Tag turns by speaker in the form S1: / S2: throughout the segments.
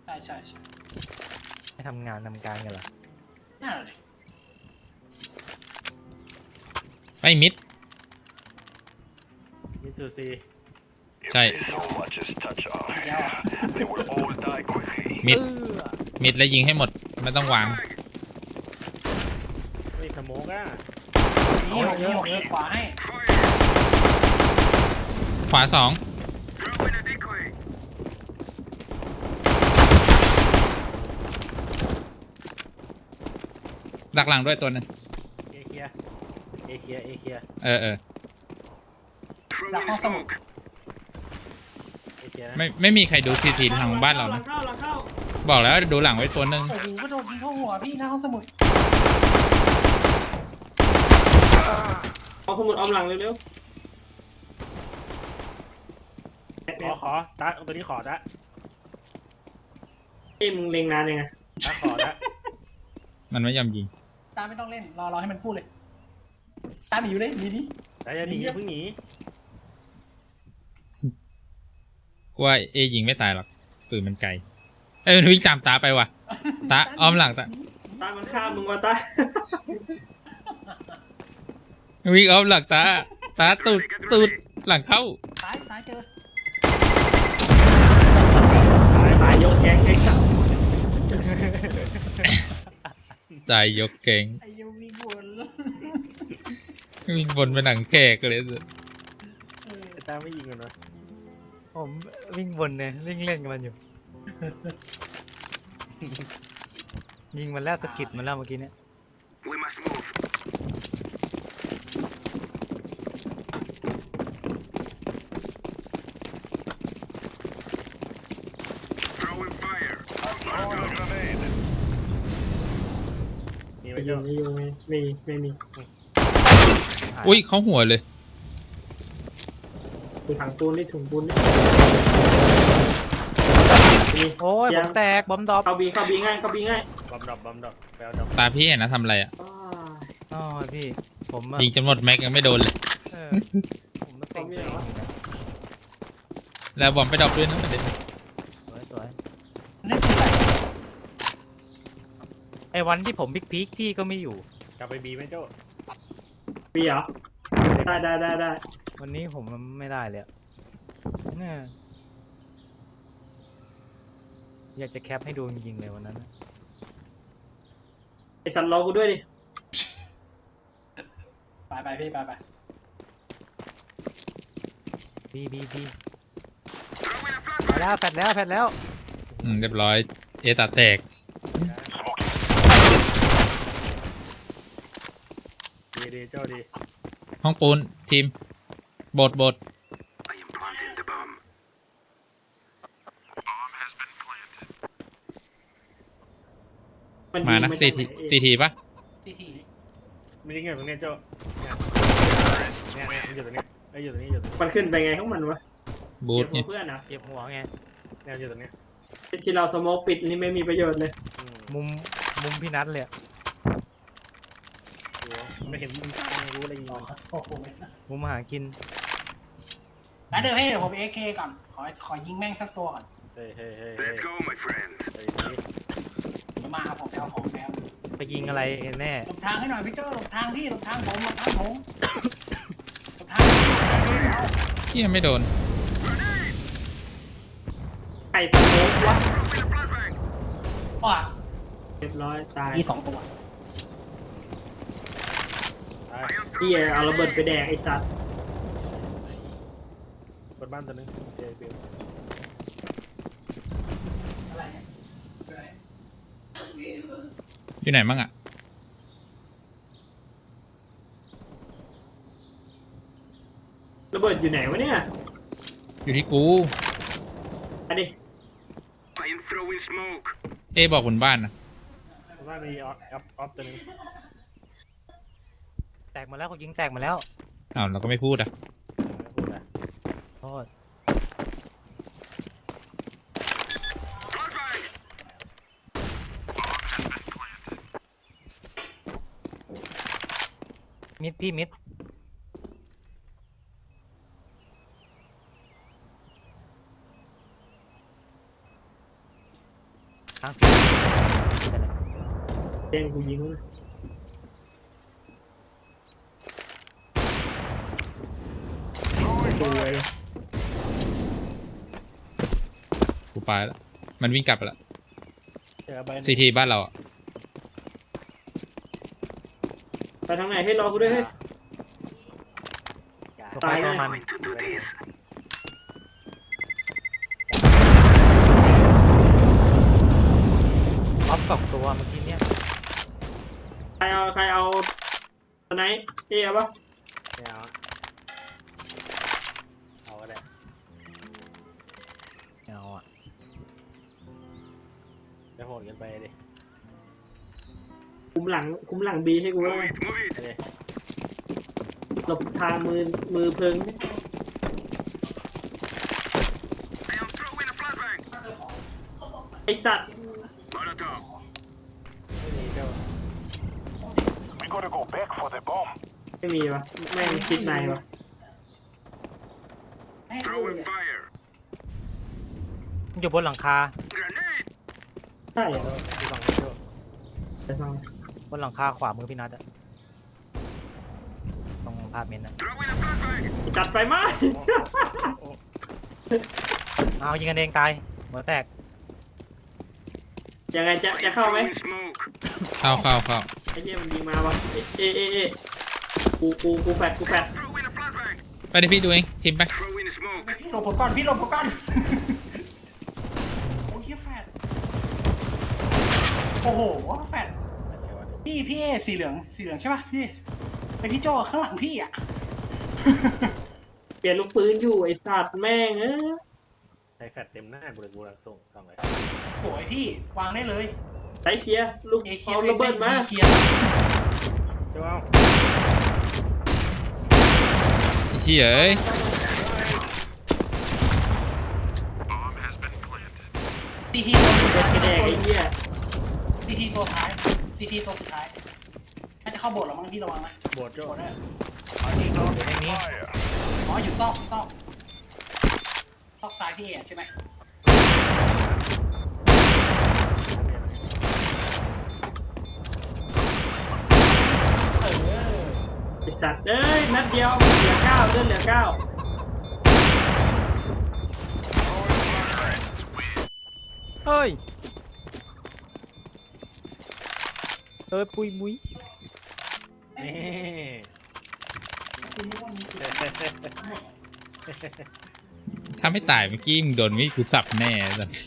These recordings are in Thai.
S1: ใช่
S2: ไม่ทำงานทำการกันเหรอ
S1: น่าเลย
S3: ไปมิด
S4: มิทูซี
S3: ใช่มิดมิดแล้วยิงให้หมดไม่ต้องวาง
S4: ไม่สโมกอ่ะ
S1: นี่ผมเลือกขวาให้
S3: ขวา2ดักหลังด้วยตัวนึง
S4: เอเคีย
S1: ดักห้องสมุด
S3: ไม่มีใครดูทีทางบ้านเรานะบอกแล้วดูหลังไว้ตัวนึง
S1: โอ้โหก็โดนยิงเข้าหัวพี่หน้าห้องสมุด
S5: เอาสมุดเอาหลังเร็ว
S4: ขอตาตัวนี้ขอตา
S5: ๆมึงเล็งนานยังไง
S4: ตาขอตา
S3: มันไม่ยอมยิง
S1: ตาไม่ต้องเล่นรอให้มันพูดเลยตาหนีอยู่เลยหนีดิ
S4: ตาจะหนีเพิ่งหนี
S3: กูว่ายิงไม่ตายหรอกปืนมันไกลมันวิ่งตามตาไปว่ะตาอ้อมหลังตา
S5: มันฆ่ามึงวะตา
S3: วิ่งอ้อมหลังตาตูดหลังเข้า
S1: ซ้ายเจอ
S5: ตายยกแก๊งไอ้สัส
S3: ใจยกเก่ง
S1: ไอ้ยังวิ่ง
S3: วนไปหนังแขกเลย
S4: ตาไม่ยิงกันวะ
S2: ผมวิ่งวนเนี่ยวิ่งเล่นกับมันอยู่ ยิงมันแล้วสะกิดมันแล้วเมื่อกี้เนี่ย
S5: ไม่มี
S3: อุ้ยเขาหัวเลย
S5: ถุงถังปูนนี่ถุงปูนนี่
S2: โอ้ยผมแตกบอมดรอป
S5: เข้าบีง่าย
S4: บอมดรอปแปลดรอป
S3: ตาพี่เห็นนะทำอะไรอ่ะ
S2: อ๋อพี่ผม
S3: ยิงจนหมดแม็กยังไม่โดนเลย
S2: ผมมาเซ็งเลย
S3: แล้วบอมไปดรอปด้วยนะประเด็น
S2: สวยไอ้วันที่ผมพีคพี่ก็ไม่อยู่
S4: กลับไปบีไหมโจ้
S5: บีเหรอได้
S2: วันนี้ผมไม่ได้เลยเนี่ยอยากจะแคปให้ดูจริงๆเลยวันนั้น
S5: ไอ้สันรอกูด้วยดิ
S1: ไปพี่ไป
S2: บีแล้วแฟดแล้ว
S3: เรียบร้อยตาแตก
S4: ดีโจ้ดี
S3: ห้องปูนทีมบทมานะซีทีปะ
S4: ไม่ยิงไงตรงนี้โจ้เนี่ยมันอยู่ตรงนี้
S5: มันขึ้นไปไงของมันวะ
S3: บูทเนี่ย
S5: เพื่อนนะ
S2: เก็บหัวไง
S4: เนี่ยอยู่ตรงนี้
S5: ที่เราสโมกปิดนี่ไม่มีประโยชน์เลย
S2: มุมพี่นัทเลย
S4: ไม่เห็นมุมทางรู้อะไรอยู่
S2: มุมหากิน
S1: แล้วเดี๋ยวผมAKก่อนขอยิงแม่งสักตัวก่อน
S4: เฮ้ย
S1: มาผมเอาของแล้ว
S2: ไปยิงอะไรแน่
S1: หลบทางให้หน่อยพี่เจ้าหลบทางพี่หลบทางผมหลบทาง
S3: ที่ยังไม่โดน
S5: ไข่สโมกวะเรียบร้อยตาย
S1: มี2 ตัว
S5: พี่เอาระเบิดไปแดกไอ้สัตว์
S4: บนบ้านตัวนึงเจบิล
S3: อยู่ไหนมั่งอ่ะ
S5: ระเบิดอยู่ไหนวะเนี่ย
S3: อยู่ที่กู
S5: อันนี้
S3: บอกบนบ้านนะ
S4: บ้านมีออฟตัวนึง
S2: แตกมาแล้วเขายิงแตกมาแล้ว
S3: เราก็ไม่พูดอ่ะ
S2: โทษมิดพี่มิดทั้งสี่แต่ละ
S5: แจ้งกูยิงมันดูเลย
S3: กูไปแล้วมันวิ่งกลับไปแล้ว
S4: เจอใบหนึ่ง
S3: ซีทีบ้านเราอะ
S5: ไปทางไหนให้รอกูด้วยเฮ้ย
S2: ตัว
S5: ตาย
S2: ไปตัว
S5: แน่
S2: มันออฟ2ตัวเมื่อกี้เนี่ย
S5: ใครเอาตอนไหนเอ๊ะปะ
S4: ไม่เอาเอาก็ได้
S2: เอาอ่ะ
S4: จะโหดกันไปดิ
S5: คุมหลังบีให้กูแล้ว
S4: ไปดิ
S5: หลบทางมือเพิงไอสัตว์
S4: ไม่มีเจ้า
S6: We gotta go back for the bomb.
S5: ไม่มีวะแม่งคิดในวะ
S1: แม่งเลยอะ
S2: มันอยู่บนหลังคา
S5: ใช่เหรอ
S4: ดูฝั่งนี้เจ้า
S5: ไปฟัง
S2: บนหลังคาขวามือพี่นัทอะตรงพาร์ทเมนต์อะ
S5: ไอสัตว์ไฟไหม้
S2: เอายิงกันเองตายหัวแตก
S5: ยังไงจะเข้าไหม
S3: เข้า
S5: ไอ้เหี้ยมันยิงมาวะเอะกูแฟด
S3: ไปดิพี่ดูเองทีมไป
S1: พี่หลบผมก่อนพี่หลบผมก่อน โอ้ยแฟดโอ้โหแฟดพี่เอสีเหลืองใช่ป่ะพี่ไปพี่โจข้างหลังพี่อ่ะ
S5: เปลี่ยนลูกปืนอยู่ไอสัตว์แม่ง
S4: ใช้แฟดเต็มหน้ากูเลยกูรังส่งส่องเลย
S1: โอ้ยพี่วางได้เลย
S5: ใช้เคลียร์ลูก
S1: เอเชีย
S5: เอาระเบิดมา
S1: เคลียร์
S4: เจ้าเอา
S3: ไอ้เหี้ยเอ้ย
S1: ซีทีตัวสุดท้าย
S5: กระแดกไอ้เหี้ย
S1: ซีทีตัวท้ายซีทีตัวสุดท้ายน่าจะเข้าโบสถ์แล้วมั้งพี่ระวังนะ
S4: โบดเจ้า
S1: โบสถ์เนี่ย
S2: อยู่ในนี้
S1: อ๋ออยู่ซอกซ้ายพี่เอใช่ไหมเออ
S5: ไอสัตว์เอ้ยนัดเดียวเหลือ9เลื่อนเหลือ9
S2: เฮ้ยปุยมุ้ย
S4: นี่
S3: ถ้าไม่ตายเมื่อกี้มึงโดนวิกูสับแน่สัส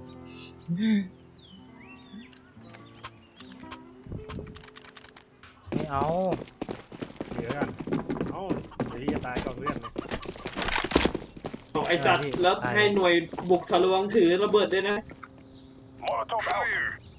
S2: ไม่เอา
S4: เหลือกันเอ้าเดี๋ยวที่จะตายก่อนเพื่อนเลย
S5: ของไอสัตว์แล้วให้หน่วยบุกทะลวงถือระเบิดด้วยนะ
S6: Molotov out.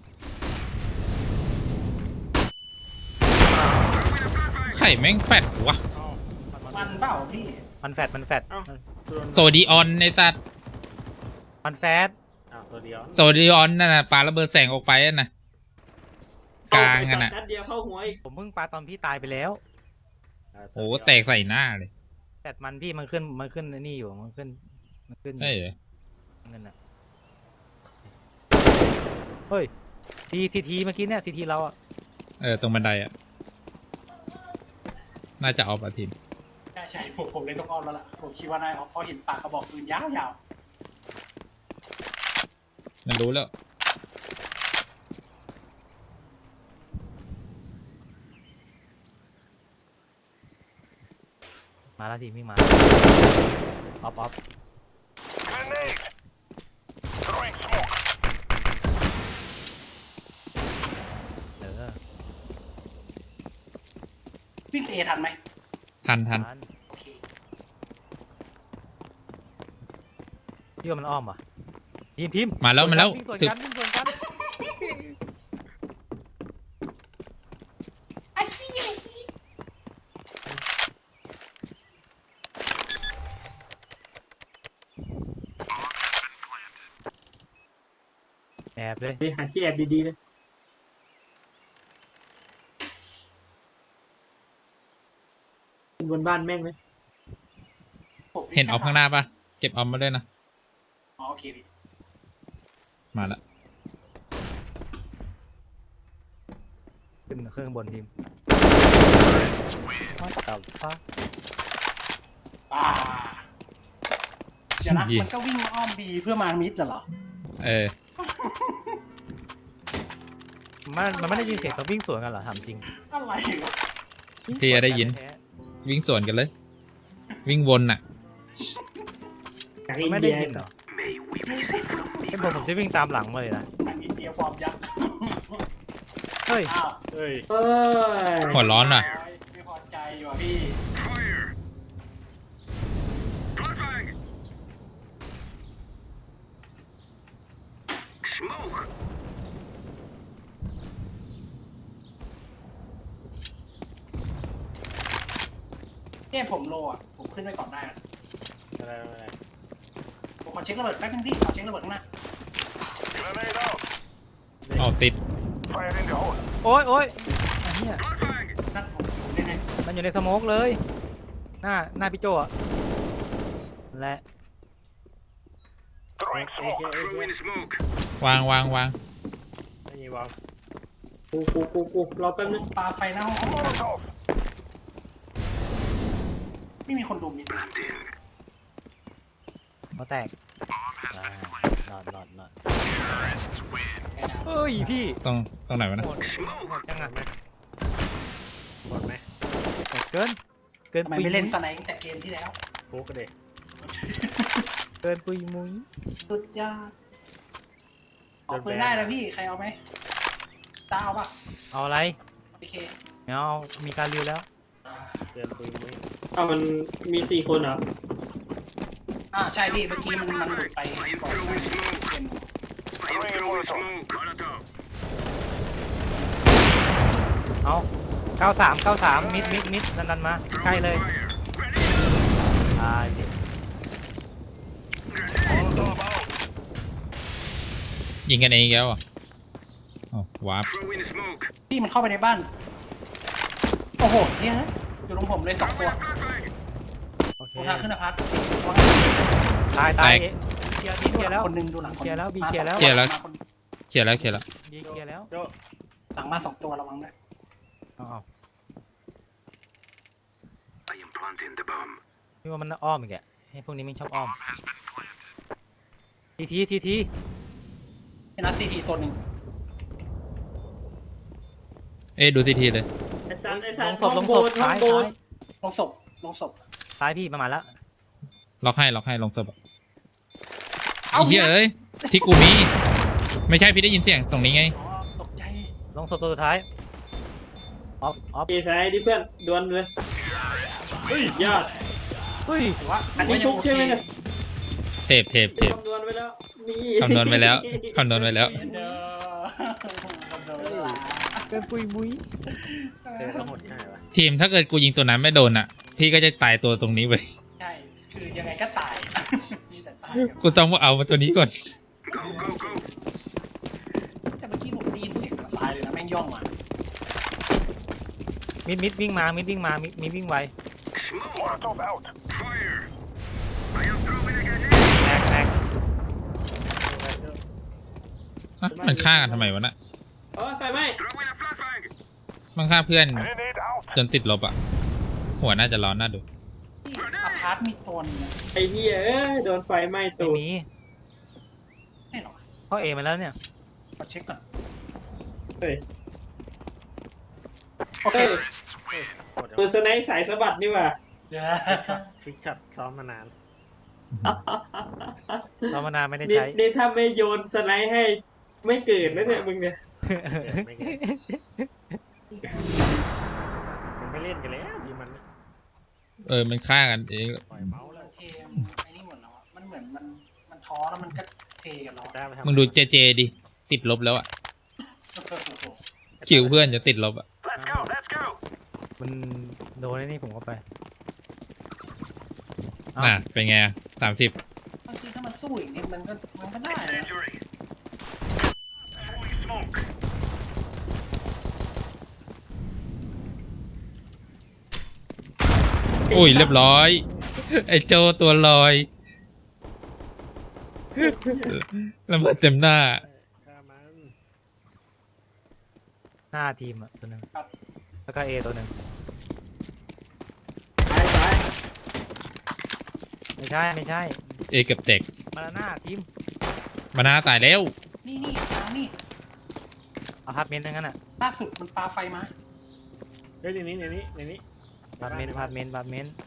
S3: ไข่แม่งแฟดวะ
S4: เอ้า
S1: มันเปล่าพี่
S2: มันแฟด
S4: เอ้าโดน
S3: โซดีออนในตัด
S2: มันแฟด
S4: อ้าวโซเดียน
S3: โซดีออนนั่นน่ะปาระเบิดแสงออกไปนั่นน่ะกลาง
S5: ไอ
S3: กั
S5: สั
S3: น
S5: ต
S3: น่ะ
S5: ว์นัดเดียวเข้าหัวอีก
S2: ผมเพิ่งปาตอนพี่ตายไปแล้ว
S3: โอ้แตกใส่หน้าเลย
S2: แฟดมันพี่มันขึ้นไอ้นี่อยู่มันขึ้นอยู่
S3: เอ้ยเหรอ
S2: เงินอะเฮ้ยซีทีเมื่อกี้เนี่ยซีทีเราอะ
S3: ตรงบันไดอ่ะน่าจะออฟอาทิตย์
S1: ใช่ผมเลยต้องอ้อมแล้วล่ะผมคิดว่านายเพราะเห็นปากกระบอกปืนยาว
S3: มันรู้แล้ว
S2: มาแล้วทีมิ่งมาออฟ
S6: Grenade. Throwing smoke.
S1: วิ่งไปเอทันไหม
S3: ทัน
S1: โอเค
S2: พี่ว่ามันอ้อมว่ะทีม
S3: มาแล้ว
S2: วิ่งสวน
S3: ถึง
S2: กันวิ่งสวนกัน
S1: ไอ้เหี้ย
S2: แอบเลย
S5: ไปหาที่แอบดีๆเลยขึ้นบนบ้านแม่งเลย
S1: ผมวิ่
S3: เห็นออฟข้างหน้าปะเก็บออฟมาด้วยนะ
S1: อ๋อโอเคพี่
S3: มาละ
S2: ขึ้นเครื่องบนทีมว่าแต่ฟ้า
S1: เดี๋ยวนะมันก็วิ่งอ้อมบีเพื่อมามิดเหรอ
S3: เออ
S2: มันไม่ได้ยินเสียงตอนวิ่งสวนกันเหรอถามจริง
S1: อะไรวะ
S3: พี่ได้ยิน วิ่งสวนกันเลย วิ่งวนน่ะ
S5: จาก
S2: มัน
S5: อิน
S2: ไม่ได้
S5: เดีย
S2: ยินเหรอเป็นผมจะวิ่งตามหลังมาเลยนะ
S1: หนังอินเดียฟอร์มยักษ์
S2: เฮ้ย
S1: อ้าว
S4: เฮ้ย
S5: เอ้ย
S3: หัวร้อนว่ะ
S1: ไม่พอใจอยู่อ่ะพี่ เนี่ยผมโลอ่ะ ผมขึ้นไปก่อนได้อะ
S4: อะไร
S1: ผมขอเช็คระเบิดแป๊บนึงพี่ขอเช็คระเบิดข้างหน้า
S6: Grenade out.
S3: เอาติด
S6: Fire in the hole.
S2: โอ๊ยโอ๊ยไอ้เนี่ย
S1: นั่นผมอยู่ใน
S2: มันอยู่ในสโมกเลย หน้าพี่โจอะและ
S6: Throwing
S4: เอเค
S6: smoke.
S3: วาง
S4: ไม่มีวาง
S5: กูรอแป๊บนึง
S1: ปลาไฟหน้าห้อง
S6: Molotov.
S1: ไม่มีคนดูมิด
S2: เขาแตกนอนเฮ้ยพี่
S3: ต้องไหนวะนะ
S2: หมดจังอะ
S4: หมดไหม
S2: เกิน
S1: ทำไมไม่เล่นสไนด์แต่เกมที่แล้ว
S4: โป๊กกันเด็ก
S2: เกินปุยมุย
S1: สุดยอดออกปืนได้แล้วพี่ ใครเอาไหมตาเอาปะ
S2: เอาอะไร
S1: โอเค
S2: ไม่เอามีการริวแล้ว
S4: เดินปุยมุ้ย
S5: อ้าวมันมี4 คนเหรอ
S1: ใช่พี่ เมื่อกี้มันหลุดไปก่อนหน้านี้เป็น
S6: Throwing in Molotov.
S2: เอา93มิดดันมาใกล้เลยตายดิ
S6: Molotov out.
S3: ยิงกันเองอีกแล้วอ่ะอ๋อวาร์ป
S1: พี่มันเข้าไปในบ้าน โอ้โหเนี่ยอยู่ตรงผมเลย2 ตัว
S2: โอเค
S1: ตรงทางขึ้นอพาร์ต
S2: ตายเคลียร์แล้ว
S1: คนหนึงดูหลังคน
S2: เคลียร์แล้ว
S1: มา
S2: เคลียร์แล้ว
S1: สอง
S3: เคลียร์แล้ว
S1: มาคน
S3: เขียนแล้ว
S2: ยิงเคลียร์แล้ว
S4: โจ
S1: หลังมา2 ตัวระวังด้วย
S2: เอาพี่ว่ามันอ้อมอีกแกให้พวกนี้มันชอบอ้อมที
S1: เป็นนัดซีทีตัวหนึ่ง
S3: เอ้ยดูทีเลย
S5: ไอ้สัน
S2: ลงศพ
S5: ห้องโบนห้องโบน
S1: ลงศพ
S2: ซ้ายพี่ประมาณแล้ว
S3: ล็อกให้ลงศพอะ
S1: เอา
S3: ไอ้เหี้ยเอ้ยที่กูมี ไม่ใช่พี่ได้ยินเสียงตรงนี้ไง
S1: อ๋อตกใจ
S2: ลงศพตัวสุดท้ายออฟ
S5: เอซ้ายดิเพื่อนดวลเลยเฮ้ยยอด
S2: เฮ้ย
S1: ถือว่า
S5: อันนี้ชุบใช่ไหมเนี่ย
S3: เทป
S5: คำนวณไว้แล้วมี
S3: คำนวณไว้แล้ว
S1: เด้อคำนวณเวลา
S2: เกินปุยมุ้ย
S4: เดินทั้งหมดใช่ปะ
S3: ทีมถ้าเกิดกูยิงตัวนั้นไม่โดนอ่ะ พี่ก็จะตายตัวตรงนี้ไป
S1: ใช่ คือยังไงก็ตาย มีแต่ตาย
S3: กูต้องเอามาตัวนี้ก่อน
S1: แต่เมื่อกี้ผมได้ยินเสียงทางซ้ายเลยนะแม่งย่องมา
S2: มิดวิ่งมามิดวิ่งไว
S6: Molotov out.
S2: แตก
S3: มันฆ่ากันทำไมวะน่ะ
S5: ไฟไหม้
S3: มันฆ่าเพื่อน
S6: Grenade out.
S3: จนติดลบอ่ะ หัวน่าจะร้อนน่าดู
S1: ที่อพาร์ตมีตัวนึงนะ
S5: ไอ้เหี้ยเอ้ยโดนไฟไหม้
S2: ไม่
S5: ตูด
S2: มี
S1: ไม่หรอก
S2: เข้าเอมาแล้วเนี่ย
S1: ขอเช็คก่อน
S5: เฮ้ย
S1: โอเค
S5: เฮ้ย
S4: หมด
S5: ตัวสไนส์สายสะบัดนี่หว่า
S1: เดี๋ยว
S4: ชิกช็อตซ้อมมานาน
S2: เรามานานไม่ได้
S5: นี่
S2: ใช้
S5: นี่ถ้าไม่โยนสไนส์ให้ไม่เกิดแล้วเนี่ยมึงเนี่ย
S4: ไม่เกินมันไม่เล่นกันแล้วดีมัน
S3: มันฆ่ากันเอง
S4: ปล่อยเมาส์แล้ว
S1: เทมไอ้นี่หมดแล้วอะมันเหมือนมันท้อแล้วมันก็เทกันแล้วอะ
S4: ได้ไปทำ
S3: มึงดูเจดิ ติดลบแล้วอ่ะ คิวเพื่อนจะติดลบอ่ะ
S6: Let's go. Let's go.
S2: มันโดนไอ้นี่ผมเข้าไป
S3: เป็นไง30
S1: บางทีถ้ามันสู้อีกนิดมันก็ได้นะ
S6: Injury. Throwing smoke.
S3: อุ้ยเรียบร้อย ไอ้โจตัวลอยระเบิดเต็มหน้า
S4: ฆ่ามัน
S2: หน้าทีมอ่ะตัวหนึ่ง
S1: ครับ
S2: แล้วก็เอตัวหนึ่ง
S5: ซ้าย
S2: ไม่ใช่ไม่ใช่
S3: เอเกือบแตก
S2: มาหน้าทีม
S3: มานาตายแล้ว
S1: นี่ทางนี่
S2: อพาร์ตเมนต์ทั้งนั้นอ่ะ
S1: ล่าสุดมันปาไฟมา
S4: เฮ้ยในนี้
S2: อพาร์ตเมนต์อพาร์ตเมนต์อพาร์ตเมนต์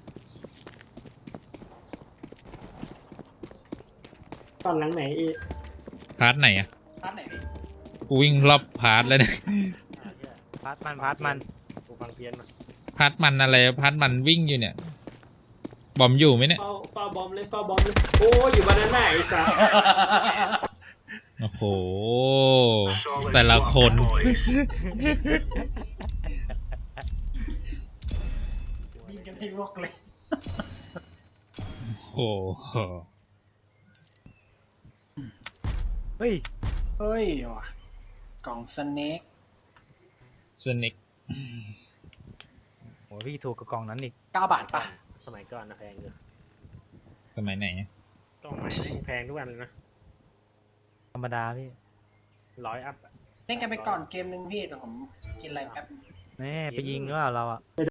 S5: ตอนหลังไหนอี
S3: พาร์ทไหนอะ
S1: ร้านไหนพี่
S3: กูวิ่งรอบพาร์ทแล้วเนี่ย
S2: พาร์ตมัน
S4: กูฟังเพี้ยนมา
S3: พาร์ทมันอะไรพาร์ทมันวิ่งอยู่เนี่ย บอมอยู่ไหมเนี่ย
S5: เฝ้าบอมเลยโอ้อยู่บ้านนั้นไหนไอ้สัส
S3: โอ้โห
S6: Solid
S3: แต่ละคน
S6: work, boys.
S1: ยิงกันให้ลวกเลย
S3: โอ้โห
S2: เฮ้ย
S1: เฮ้ยว่ะกล่องสเน็ก
S3: สนิก
S2: โหพี่ถูกกับกล่องนั้นอีก
S1: 9 บาทปะ
S4: สมัยก่อนนะแพงอยู่
S3: สมัยไหนอะ
S4: ต้องใหม่แพงทุกวันเลยนะ
S2: ธรรมดาพี่
S4: 100 อัพอะ
S1: เล่นกันไปก่อนเกมนึงพี่แต่ผมกินอะไรแป๊บ
S2: แม่ไปยิงก็เราอ่ะ